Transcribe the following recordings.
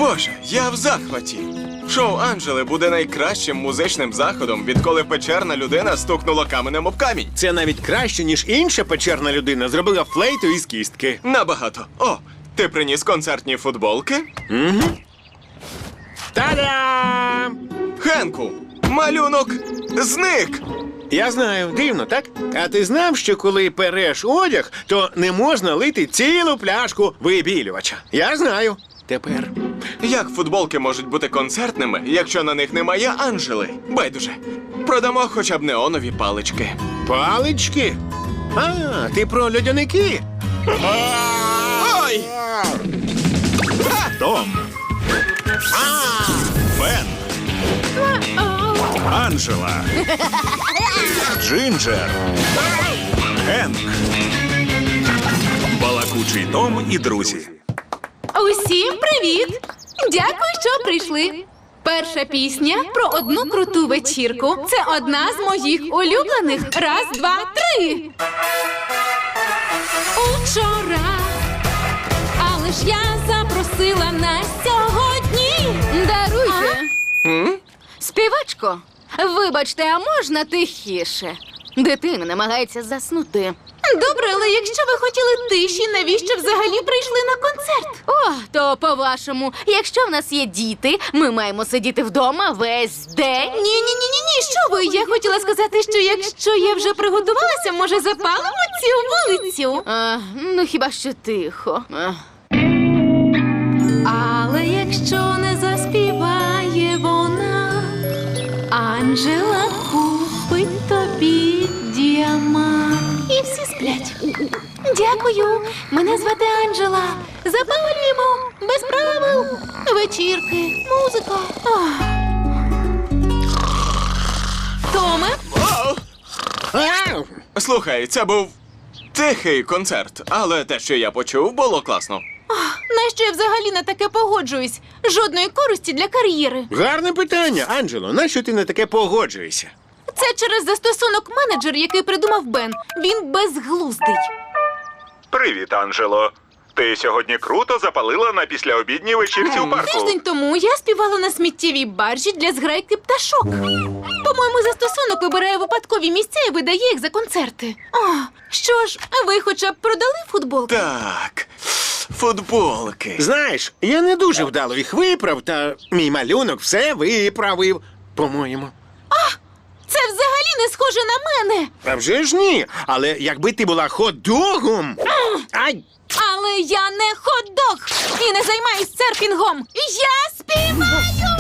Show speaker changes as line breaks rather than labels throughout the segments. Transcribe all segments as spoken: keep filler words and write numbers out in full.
Боже, я в захваті. Шоу Анджели буде найкращим музичним заходом, відколи печерна людина стукнула каменем об камінь.
Це навіть краще, ніж інша печерна людина зробила флейту із кістки.
Набагато. О, ти приніс концертні футболки?
Угу. Та-дам!
Хенку, малюнок зник!
Я знаю, дивно, так? А ти знав, що коли переш одяг, то не можна лити цілу пляшку вибілювача? Я знаю. Тепер.
Як футболки можуть бути концертними, якщо на них немає Анджели? Байдуже. Продамо хоча б неонові палички.
Палички? А, ти про льодяники?
Ой!
Том. Бен. Анджела. Джинджер. Генк. Балакучий Том і друзі.
Усім привіт! Дякую, що прийшли. Перша пісня про одну круту вечірку. Це одна з моїх улюблених. Раз, два, три. Учора, але ж я запросила на сьогодні.
Даруйте.
М?
Співачко, вибачте, а можна тихіше? Дитина намагається заснути.
Добре, але якщо ви хотіли тиші, навіщо взагалі прийшли на концерт?
О, то по-вашому, якщо в нас є діти, ми маємо сидіти вдома весь день.
Ні-ні-ні-ні, що ви? Я хотіла сказати, що якщо я вже приготувалася, може запалимо цю вулицю?
А, ну хіба що тихо. А.
Але якщо не заспіває вона, Анджела купить тобі діамант. І всі сплять. Дякую. Мене звати Анджела. Запалюємо. Без правил. Вечірки, музика. Ах. Томе?
О!
Ау!
Слухай, це був тихий концерт, але те, що я почув, було класно.
Нащо я взагалі на таке погоджуюсь? Жодної користі для кар'єри.
Гарне питання, Анджело. Нащо ти на таке погоджуєшся?
Це через застосунок менеджер, який придумав Бен. Він безглуздий.
Привіт, Анджело. Ти сьогодні круто запалила на післяобідній вечірці у парку.
Тиждень тому я співала на сміттєвій баржі для зграйки пташок. По-моєму, застосунок вибирає випадкові місця і видає їх за концерти. О, що ж, ви хоча б продали футболки?
Так, футболки.
Знаєш, я не дуже вдало їх виправ, та мій малюнок все виправив, по-моєму.
Це взагалі не схоже на мене.
А вже ж ні. Але якби ти була хот-догом... Ай!
Але я не хот-дог і не займаюсь серфінгом. Я співаю!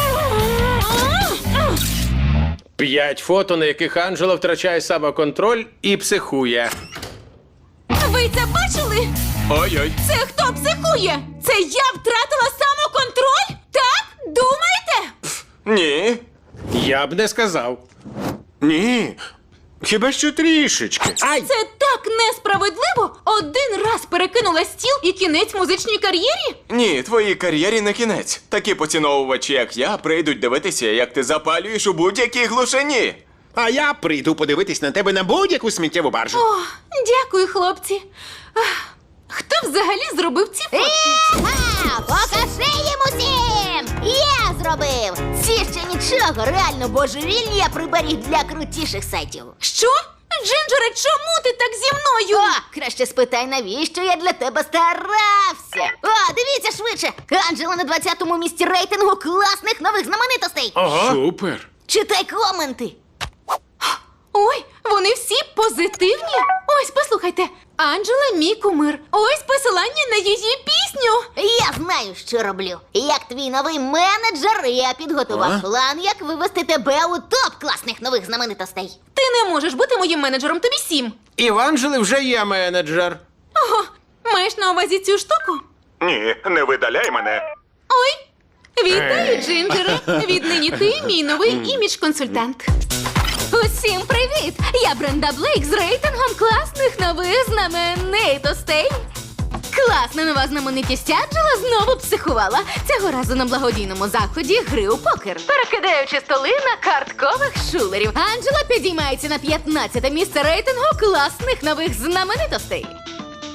П'ять фото, на яких Анджела втрачає самоконтроль і психує.
Ви це бачили?
Ой-ой.
Це хто психує? Це я втратила самоконтроль? Так? Думаєте?
Ні.
Я б не сказав.
Ні. Хіба що трішечки. Ай!
Це так несправедливо! Один раз перекинула стіл і кінець музичній кар'єрі?
Ні, твоїй кар'єрі не кінець. Такі поціновувачі, як я, прийдуть дивитися, як ти запалюєш у будь-якій глушині.
А я прийду подивитись на тебе на будь-яку сміттєву баржу.
О, дякую, хлопці. Ах, хто взагалі зробив ці фотки?
Ага, покажи їм усім! Я зробив! Ці ще нічого, реально божевільні я приберіг для крутіших сайтів.
Що? Джинджере, чому ти так зі мною?
О, краще спитай, навіщо я для тебе старався. О, дивіться швидше! Анджела на двадцятому місці рейтингу класних нових знаменитостей.
Супер.
Читай коменти.
Ой, вони всі позитивні. Ось, послухайте. Анджела мій кумир. Ось посилання на її пісню.
Я знаю, що роблю. Як твій новий менеджер, я підготував
А?
план, як вивести тебе у топ класних нових знаменитостей.
Ти не можеш бути моїм менеджером, тобі сім.
І в Анджели вже є менеджер.
Ого, маєш на увазі цю штуку?
Ні, не видаляй мене.
Ой, вітаю, Джинджере. Віднині ти мій новий імідж-консультант.
Усім привіт! Я Бренда Блейк з рейтингом класних нових знаменитостей. Класна нова знаменитість Анджела знову психувала. Цього разу на благодійному заході гри у покер. Перекидаючи столи на карткових шулерів. Анджела підіймається на п'ятнадцяте місце рейтингу класних нових знаменитостей.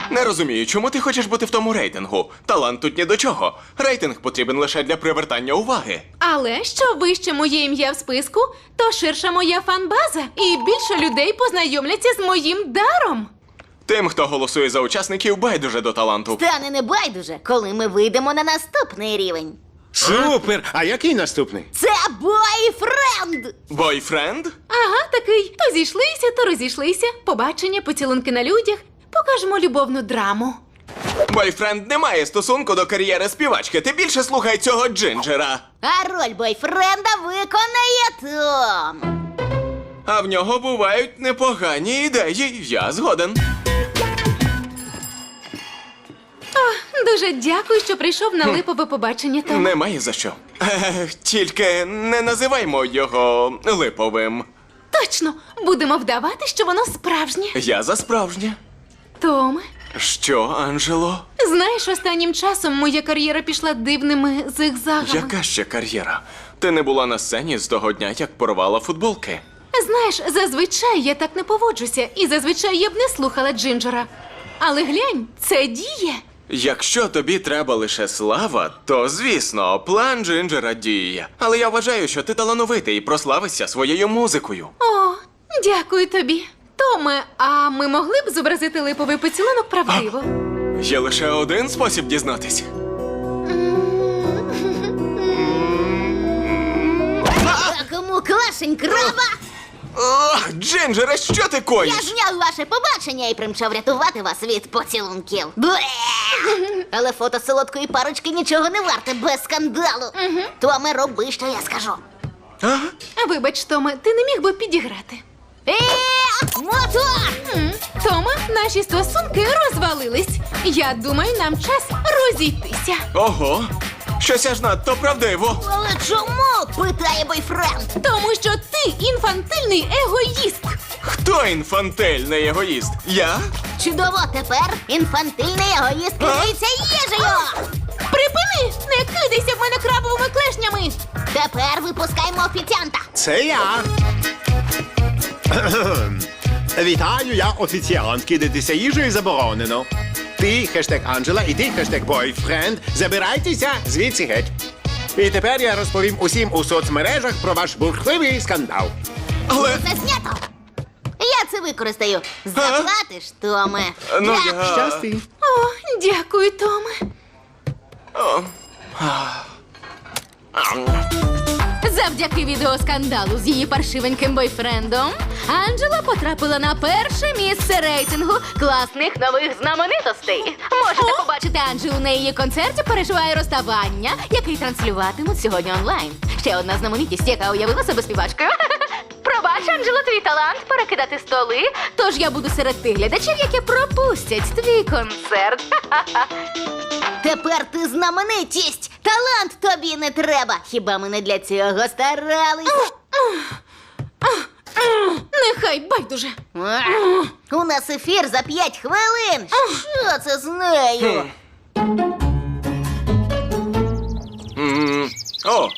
Не розумію, чому ти хочеш бути в тому рейтингу. Талант тут ні до чого. Рейтинг потрібен лише для привертання уваги.
Але що вище моє ім'я в списку, то ширша моя фан-база, і більше людей познайомляться з моїм даром.
Тим, хто голосує за учасників, байдуже до таланту.
Стане не байдуже, коли ми вийдемо на наступний рівень.
Супер! А який наступний?
Це бойфренд!
Бойфренд?
Ага, такий. То зійшлися, то розійшлися. Побачення, поцілунки на людях. Покажемо любовну драму.
Бойфренд не має стосунку до кар'єри співачки. Ти більше слухай цього Джинджера.
А роль бойфренда виконає Том.
А в нього бувають непогані ідеї. Я згоден.
Дуже дякую, що прийшов на липове побачення, Том.
Немає за що. Е, тільки не називаймо його липовим.
Точно, будемо вдавати, що воно справжнє.
Я за справжнє.
Томе,
Що, Анджело?
знаєш, останнім часом моя кар'єра пішла дивними зигзагами.
Яка ще кар'єра? Ти не була на сцені з того дня, як порвала футболки.
Знаєш, зазвичай я так не поводжуся, і зазвичай я б не слухала Джинджера. Але глянь, це діє.
Якщо тобі треба лише слава, то, звісно, план Джинджера діє. Але я вважаю, що ти талановитий і прославишся своєю музикою.
О, дякую тобі. Томе, а ми могли б зобразити липовий поцілунок правдиво?
Є лише один спосіб дізнатись.
А кому клашень краба?
Ох, Джинджере, що ти коїш?
Я зняв ваше побачення і примчав рятувати вас від поцілунків. Бле! Але фото солодкої парочки нічого не варте без скандалу. Томе, роби, що я скажу.
А?
Вибач, Томе, ти не міг би підіграти.
Е, мотор!
М, Томе, наші стосунки розвалились. Я думаю, нам час розійтися.
Ого, щось аж надто правдиво.
Але чому? Питає бойфренд.
Тому що ти інфантильний егоїст.
Хто інфантильний егоїст? Я?
Чудово, тепер інфантильний егоїст керується їжею.
Припини! Не кидайся в мене крабовими клешнями!
Тепер випускаємо офіціанта.
Це я. Вітаю, я офіціант. Кидатися їжею заборонено. Ти, хештег Анджела, і ти, хештег бойфренд, забирайтеся звідси геть. І тепер я розповім усім у соцмережах про ваш бурхливий скандал.
Але...
Це знято. Я це використаю. Заплатиш, Томе.
Ну,
Так.
я...
Щасти.
О, дякую, Томе.
О.
Завдяки відеоскандалу з її паршивеньким бойфрендом Анджела потрапила на перше місце рейтингу класних нових знаменитостей. Можете побачити Анджелу на її концерті «Переживає розставання», який транслюватимуть сьогодні онлайн. Ще одна знаменитість, яка уявила себе співачкою. Пробач, Анджело, твій талант перекидати столи, тож я буду серед тих глядачів, які пропустять твій концерт.
Тепер ти знаменитість. Талант тобі не треба. Хіба ми не для цього старались?
Нехай байдуже.
У нас ефір за п'ять хвилин. Що це з нею?
М, О!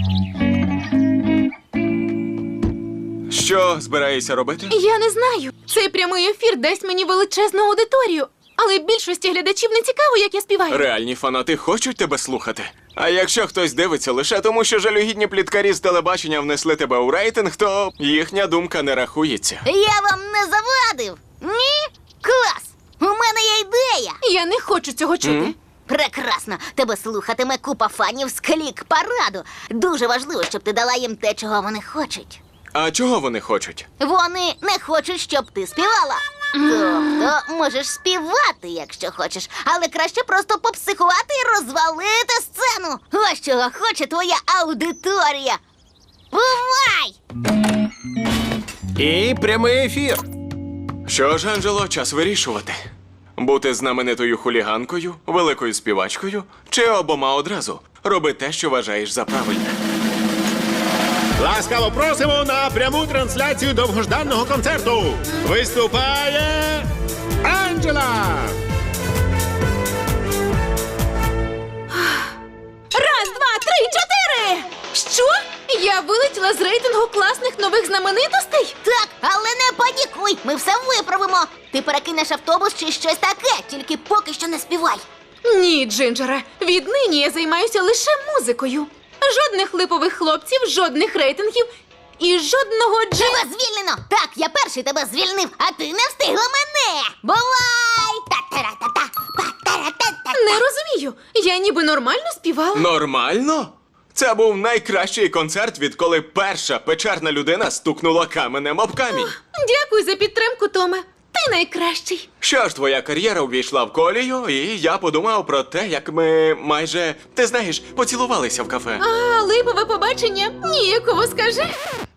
Що збираєшся робити?
Я не знаю. Цей прямий ефір дасть мені величезну аудиторію. Але більшості глядачів не цікаво, як я співаю.
Реальні фанати хочуть тебе слухати. А якщо хтось дивиться лише тому, що жалюгідні пліткарі з телебачення внесли тебе у рейтинг, то їхня думка не рахується.
Я вам не завадив. Ні? Клас! У мене є ідея.
Я не хочу цього чути.
Прекрасно. Тебе слухатиме купа фанів з клік параду. Дуже важливо, щоб ти дала їм те, чого вони хочуть.
А чого вони хочуть?
Вони не хочуть, щоб ти співала. Тобто, можеш співати, якщо хочеш, але краще просто попсихувати і розвалити сцену. Ось чого хоче твоя аудиторія. Бувай!
І прямий ефір.
Що ж, Анджело, час вирішувати. Бути знаменитою хуліганкою, великою співачкою чи обома одразу. Роби те, що вважаєш за правильне.
Ласкаво просимо на пряму трансляцію довгожданого концерту. Виступає Анджела!
Раз, два, три, чотири! Що? Я вилетіла з рейтингу класних нових знаменитостей?
Так, але не панікуй. Ми все виправимо. Ти перекинеш автобус чи щось таке, тільки поки що не співай.
Ні, Джинджере, віднині я займаюся лише музикою. Жодних липових хлопців, жодних рейтингів і жодного джин...
Тебе звільнено! Так, я перший тебе звільнив, а ти не встигла мене! Бувай! Та-та-ра-та-та, па-та-ра-та-та.
Не розумію, я ніби нормально співала.
Нормально? Це був найкращий концерт, відколи перша печерна людина стукнула каменем об камінь.
Дякую за підтримку, Томе. Ти найкращий.
Що ж, твоя кар'єра увійшла в колію, і я подумав про те, як ми майже, ти знаєш, поцілувалися в кафе.
А, липове побачення? Ніяково скажи.
Е,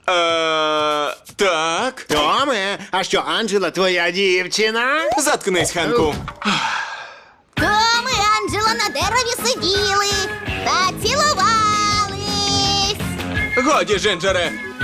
так.
Томе, а що Анджела твоя дівчина?
Заткнись, Хенку.
Том і Анджело на дереві сиділи та цілувались.
Годі, Джинджере,